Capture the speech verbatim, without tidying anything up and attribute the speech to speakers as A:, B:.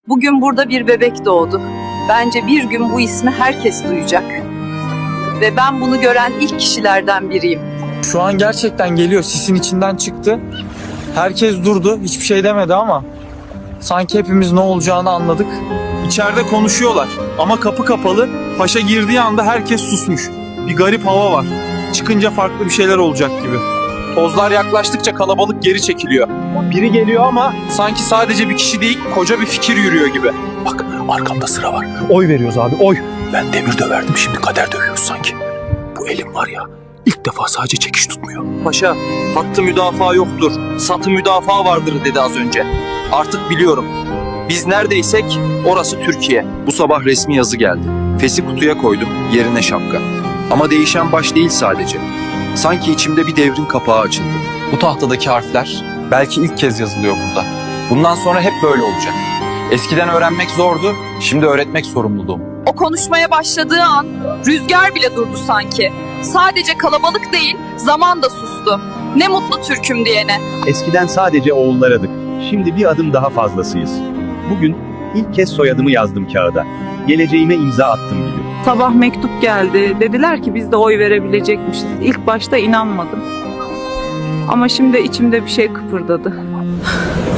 A: Bugün burada bir bebek doğdu. Bence bir gün bu ismi herkes duyacak. Ve ben bunu gören ilk kişilerden biriyim.
B: Şu an gerçekten geliyor. Sisin içinden çıktı. Herkes durdu. Hiçbir şey demedi ama sanki hepimiz ne olacağını anladık. İçeride konuşuyorlar ama kapı kapalı. Paşa girdiği anda herkes susmuş. Bir garip hava var. Çıkınca farklı bir şeyler olacak gibi. Tozlar yaklaştıkça kalabalık geri çekiliyor. Biri geliyor ama sanki sadece bir kişi değil, koca bir fikir yürüyor gibi.
C: Bak arkamda sıra var. Oy veriyoruz abi oy. Ben demir döverdim şimdi kader dövüyoruz sanki. Bu elim var ya ilk defa sadece çekiş tutmuyor.
B: Paşa, hattı müdafaa yoktur, satı müdafaa vardır dedi az önce. Artık biliyorum. Biz neredeysek orası Türkiye. Bu sabah resmi yazı geldi. Fesi kutuya koydum, yerine şapka. Ama değişen baş değil sadece. Sanki içimde bir devrin kapağı açıldı. Bu tahtadaki harfler belki ilk kez yazılıyor burada. Bundan sonra hep böyle olacak. Eskiden öğrenmek zordu, şimdi öğretmek sorumluluğum.
A: O konuşmaya başladığı an rüzgar bile durdu sanki. Sadece kalabalık değil, zaman da sustu. Ne mutlu Türk'üm diyene.
D: Eskiden sadece oğullarıydık. Şimdi bir adım daha fazlasıyız. Bugün ilk kez soyadımı yazdım kağıda. Geleceğime imza attım gibi.
E: Sabah mektup geldi. Dediler ki biz de oy verebilecekmişiz. İlk başta inanmadım. Ama şimdi içimde bir şey kıpırdadı.